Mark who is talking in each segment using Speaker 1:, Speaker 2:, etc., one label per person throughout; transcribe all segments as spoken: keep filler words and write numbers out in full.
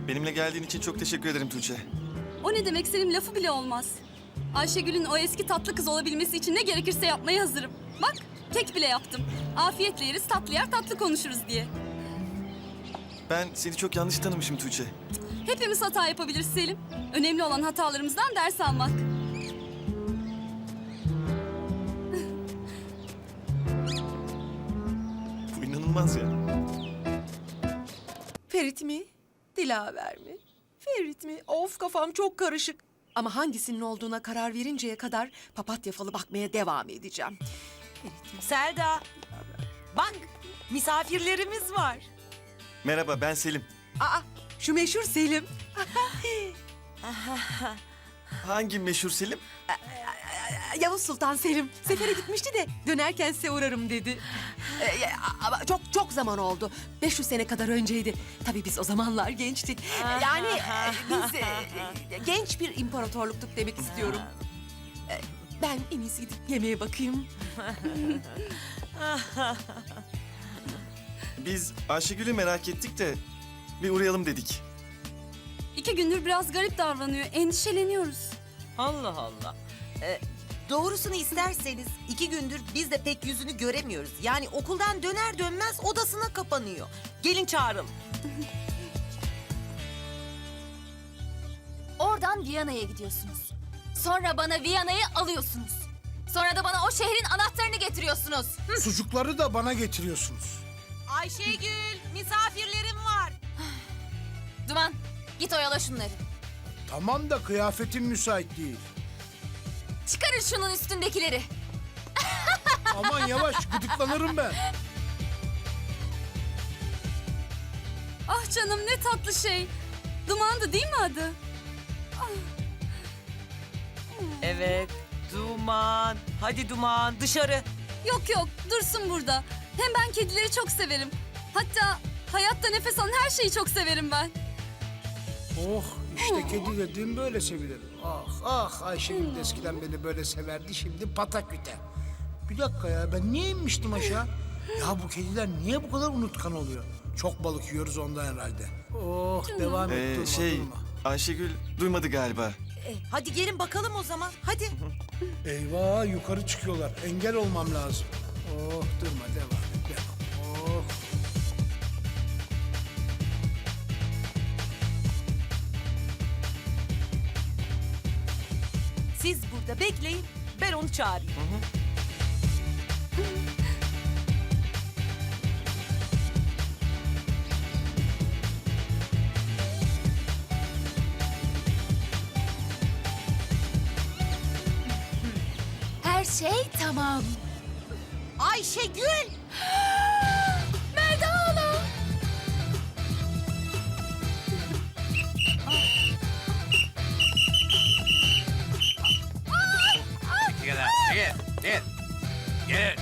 Speaker 1: Benimle geldiğin için çok teşekkür ederim Tuğçe.
Speaker 2: O ne demek, senin lafı bile olmaz. Ayşegül'ün o eski tatlı kız olabilmesi için ne gerekirse yapmaya hazırım. Bak, kek bile yaptım. Afiyetle yeriz, tatlı yer tatlı konuşuruz diye.
Speaker 1: Ben seni çok yanlış tanımışım Tuğçe.
Speaker 2: Hepimiz hata yapabiliriz Selim. Önemli olan hatalarımızdan ders almak.
Speaker 1: Bu inanılmaz ya.
Speaker 3: Ferit mi? Dilaver mi? Ferit mi? Of, kafam çok karışık. Ama hangisinin olduğuna karar verinceye kadar papatya falı bakmaya devam edeceğim. Ferit mi?
Speaker 4: Selda, bak misafirlerimiz var.
Speaker 1: Merhaba, ben Selim.
Speaker 3: Aa, şu meşhur Selim.
Speaker 1: Hangi meşhur Selim?
Speaker 3: Yavuz Sultan Selim. Sefere gitmişti de dönerken size uğrarım dedi. Ee, ama çok çok zaman oldu. beş yüz sene kadar önceydi. Tabii biz o zamanlar gençtik. Yani e, biz e, e, genç bir imparatorluktuk demek istiyorum. E, Ben en iyisi gidip yemeğe bakayım.
Speaker 1: Biz Ayşegül'ü merak ettik de bir uğrayalım dedik.
Speaker 2: İki gündür biraz garip davranıyor, endişeleniyoruz.
Speaker 4: Allah Allah. Ee, doğrusunu isterseniz iki gündür biz de pek yüzünü göremiyoruz. Yani okuldan döner dönmez odasına kapanıyor. Gelin çağıralım.
Speaker 5: Oradan Viyana'ya gidiyorsunuz. Sonra bana Viyana'yı alıyorsunuz. Sonra da bana o şehrin anahtarını getiriyorsunuz. Hı.
Speaker 6: Sucukları da bana getiriyorsunuz.
Speaker 4: Ayşegül, misafirlerim var.
Speaker 5: Duman, git oyala şunları.
Speaker 6: Tamam da kıyafetim müsait değil.
Speaker 5: Çıkarın şunun üstündekileri.
Speaker 6: Aman yavaş, gıdıklanırım ben.
Speaker 2: Ah canım, ne tatlı şey. Dumandı değil mi adı?
Speaker 4: Evet, Duman. Hadi Duman, dışarı.
Speaker 2: Yok yok, dursun burada. Hem ben kedileri çok severim. Hatta hayatta nefes alan her şeyi çok severim ben.
Speaker 6: Oh, işte kedi dediğim böyle sevilir. Ah ah, Ayşegül de eskiden beni böyle severdi, şimdi pataküte. Bir dakika ya, ben niye inmiştim aşağı? Ya bu kediler niye bu kadar unutkan oluyor? Çok balık yiyoruz ondan herhalde. Oh, devam et,
Speaker 1: Ee,
Speaker 6: durma,
Speaker 1: şey,
Speaker 6: durma.
Speaker 1: Ayşegül duymadı galiba.
Speaker 4: E, hadi gelin bakalım o zaman. Hadi.
Speaker 6: Eyvah, yukarı çıkıyorlar. Engel olmam lazım. Oh, durma, devam et, devam. Oh.
Speaker 4: Siz burada bekleyin, ben onu çağırayım.
Speaker 5: Her şey tamam.
Speaker 4: Ayşegül!
Speaker 5: Melda hala.
Speaker 7: Çekil lan, çekil, çekil. Gelin.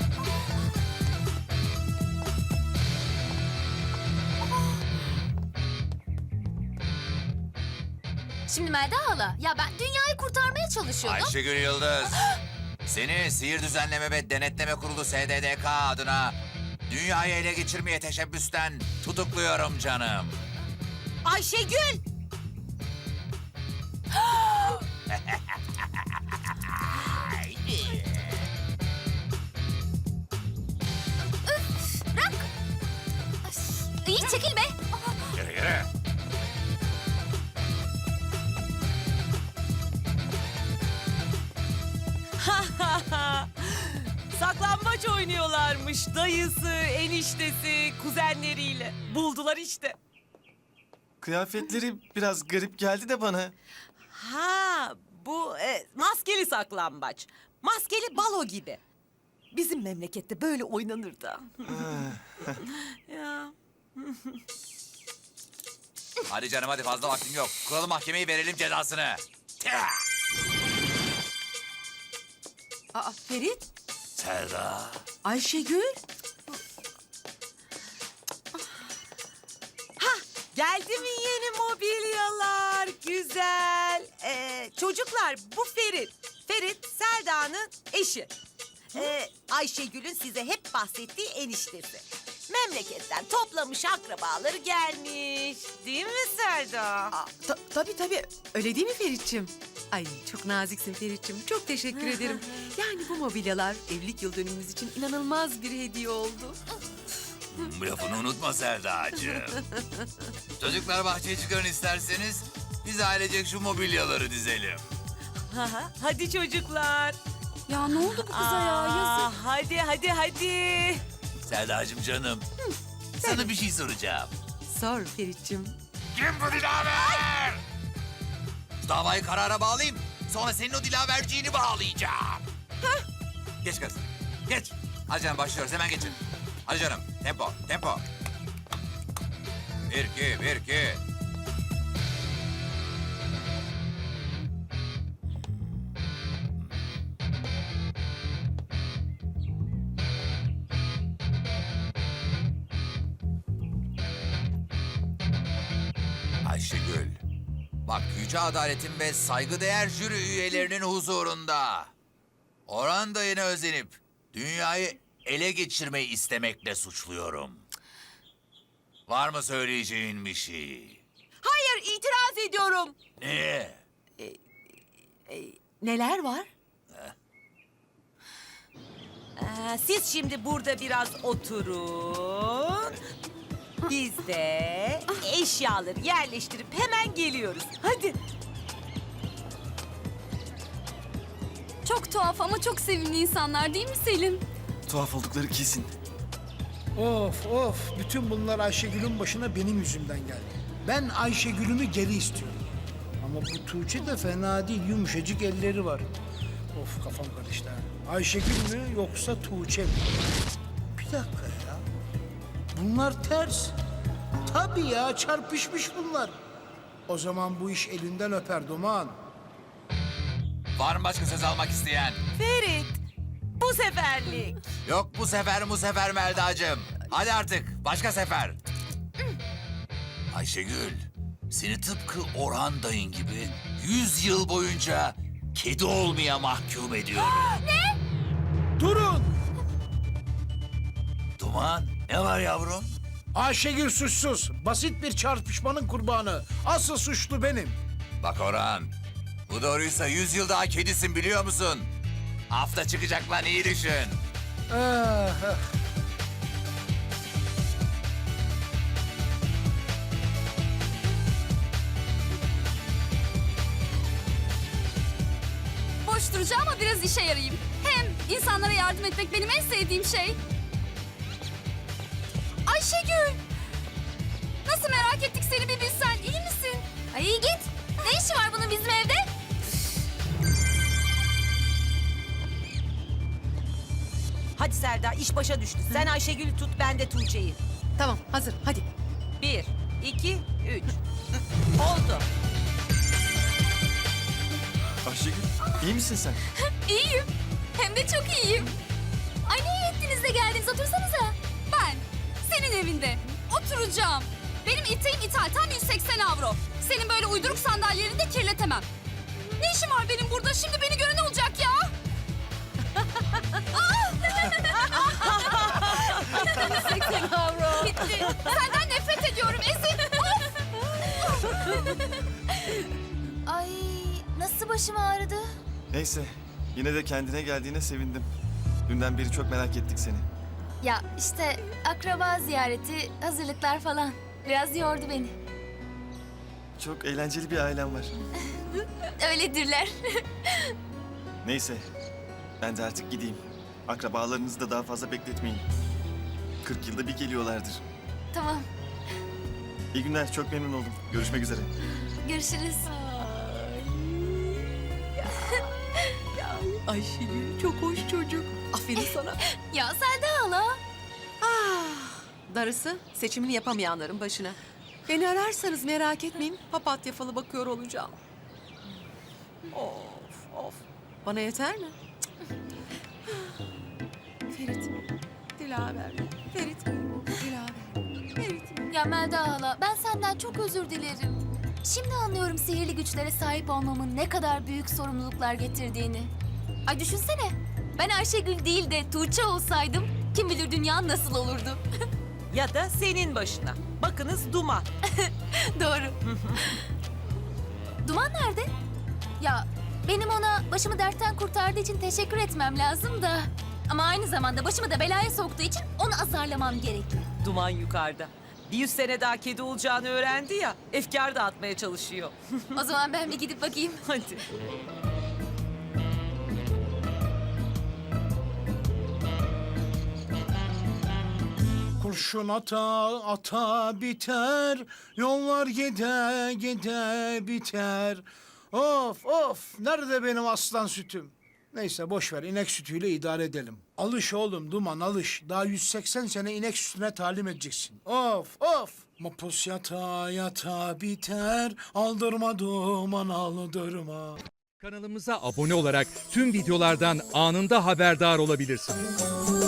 Speaker 5: Şimdi Melda hala, ya ben dünyayı kurtarmaya çalışıyordum.
Speaker 7: Ayşegül Yıldız. Seni Sihir Düzenleme ve Denetleme Kurulu S D D K adına dünyayı ele geçirmeye teşebbüsten tutukluyorum canım.
Speaker 4: Ayşegül!
Speaker 5: Bırak. İyi çekil be.
Speaker 7: Yürü yürü.
Speaker 4: Saklambaç oynuyorlarmış dayısı, eniştesi, kuzenleriyle. Buldular işte.
Speaker 1: Kıyafetleri biraz garip geldi de bana.
Speaker 4: Ha, bu e, maskeli saklambaç. Maskeli balo gibi. Bizim memlekette böyle oynanır da. Ya.
Speaker 7: Hadi canım hadi, fazla vaktim yok. Kuralım mahkemeyi, verelim cezasını.
Speaker 3: Aa, Ferit,
Speaker 7: Selda.
Speaker 3: Ayşegül.
Speaker 4: Geldi mi yeni mobilyalar? Güzel. Ee, çocuklar, bu Ferit. Ferit, Selda'nın eşi. Ee, Ayşegül'ün size hep bahsettiği eniştesi. Memleketten toplamış akrabaları gelmiş. Değil mi Selda? Selda?
Speaker 3: Aa, ta- tabii tabii. Öyle değil mi Ferit'ciğim? Ay çok naziksin Ferit'ciğim. Çok teşekkür ederim. Yani bu mobilyalar evlilik yıl dönümümüz için inanılmaz bir hediye oldu.
Speaker 7: Bu lafını unutma Selda'cığım. Çocuklar bahçeye çıkarın isterseniz. Biz ailecek şu mobilyaları dizelim.
Speaker 8: Hadi çocuklar.
Speaker 2: Ya ne oldu bu kıza ya? Yazık.
Speaker 8: Hadi hadi hadi.
Speaker 7: Selda'cığım canım. Sana bir şey soracağım.
Speaker 3: Sor Ferit'ciğim.
Speaker 7: Kim bu Dilaver? Şu davayı karara bağlayayım. Sonra senin o Dilaverciğini bağlayacağım. Geç kız. Geç. Hadi canım başlıyoruz. Hemen geçin. Hadi canım. Tempo. Tempo. Bir, iki, bir, iki. Ayşegül. Bak yüce adaletin ve saygıdeğer jüri üyelerinin huzurunda. Orhan dayına özenip dünyayı ele geçirmeyi istemekle suçluyorum. Var mı söyleyeceğin bir şey?
Speaker 3: Hayır itiraz ediyorum.
Speaker 7: Ne?
Speaker 3: Neler var?
Speaker 8: Ee, siz şimdi burada biraz oturun. Biz de eşyaları yerleştirip hemen geliyoruz. Hadi.
Speaker 2: Çok tuhaf ama çok sevimli insanlar değil mi Selim?
Speaker 1: Tuhaf oldukları kesin.
Speaker 6: Of of, bütün bunlar Ayşegül'ün başına benim yüzümden geldi. Ben Ayşegül'ümü geri istiyorum. Ama bu Tuğçe de fena değil, yumuşacık elleri var. Of kafam karıştı ha. Ayşegül mü yoksa Tuğçe mi? Bir dakika ya. Bunlar ters. Tabii ya, çarpışmış bunlar. O zaman bu iş elinden öper Duman.
Speaker 7: Var mı başka söz almak isteyen?
Speaker 8: Ferit, bu seferlik.
Speaker 7: Yok bu sefer bu sefer Melda'cığım. Hadi artık başka sefer. Ayşegül, seni tıpkı Orhan dayın gibi yüz yıl boyunca kedi olmaya mahkum ediyorum.
Speaker 6: Durun!
Speaker 7: Duman, ne var yavrum?
Speaker 6: Ayşegül suçsuz. Basit bir çarpışmanın kurbanı. Asıl suçlu benim.
Speaker 7: Bak Orhan, bu doğruysa yüz yıl daha kedisin biliyor musun? Hafta çıkacak lan iyi düşün.
Speaker 6: Ah, ah.
Speaker 2: Boş duracağım ama biraz işe yarayayım. Hem insanlara yardım etmek benim en sevdiğim şey. Ayşegül! Nasıl merak ettik seni bir bilsen. İyi misin?
Speaker 5: Ay iyi git. Ne işi var bunun bizim evde?
Speaker 8: Hadi Selda, iş başa düştü. Sen Ayşegül'ü tut, ben de Tuğçe'yi.
Speaker 3: Tamam hazır hadi.
Speaker 8: Bir, iki, üç. Oldu.
Speaker 1: Ayşegül, iyi misin sen?
Speaker 2: İyiyim. Hem de çok iyiyim.
Speaker 5: Ay ne iyi ettiniz de geldiniz. Otursanıza.
Speaker 2: Ben senin evinde oturacağım. Benim iteğim ithal tam yüz seksen avro. Senin böyle uyduruk sandalyelerini de kirletemem. Ne işim var benim burada? Şimdi beni gören ne olacak ya? yüz seksen avro. Bitti. Senden nefret ediyorum Esin. Of!
Speaker 5: Ay nasıl başım ağrıdı?
Speaker 1: Neyse, yine de kendine geldiğine sevindim. Dünden beri çok merak ettik seni.
Speaker 5: Ya işte akraba ziyareti, hazırlıklar falan. Biraz yordu beni.
Speaker 1: Çok eğlenceli bir ailem var.
Speaker 5: Öyledirler.
Speaker 1: Neyse, ben de artık gideyim. Akrabalarınızı da daha fazla bekletmeyin. kırk yılda bir geliyorlardır.
Speaker 5: Tamam.
Speaker 1: İyi günler, çok memnun oldum. Görüşmek üzere.
Speaker 5: Görüşürüz.
Speaker 3: Ayşegül çok hoş çocuk. Aferin sana.
Speaker 5: Ya Selda hala.
Speaker 3: Darısı seçimini yapamayanların başına. Beni ararsanız merak etmeyin. Papatya falı bakıyor olacağım. Of of. Bana yeter mi? Ferit. Dilaver. Ferit. Dilaver. Ferit.
Speaker 5: Ya Melda hala ben senden çok özür dilerim. Şimdi anlıyorum sihirli güçlere sahip olmamın ne kadar büyük sorumluluklar getirdiğini. Ay düşünsene. Ben Ayşegül değil de Tuğçe olsaydım kim bilir dünya nasıl olurdu.
Speaker 8: Ya da senin başına. Bakınız Duman.
Speaker 5: Doğru. Duman nerede? Ya benim ona başımı dertten kurtardığı için teşekkür etmem lazım da. Ama aynı zamanda başımı da belaya soktuğu için onu azarlamam gerekiyor.
Speaker 8: Duman yukarıda. Bir yüz sene daha kedi olacağını öğrendi ya. Efkar dağıtmaya çalışıyor.
Speaker 5: O zaman ben bir gidip bakayım.
Speaker 8: Hadi.
Speaker 6: Kurşun ata ata biter, yollar gide gide biter. Of of, nerede benim aslan sütüm? Neyse boş ver, inek sütüyle idare edelim. Alış oğlum Duman, alış. Daha yüz seksen sene inek sütüne talim edeceksin. Of of. Mapus yata yata biter, aldırma Duman aldırma.
Speaker 9: Kanalımıza abone olarak tüm videolardan anında haberdar olabilirsiniz.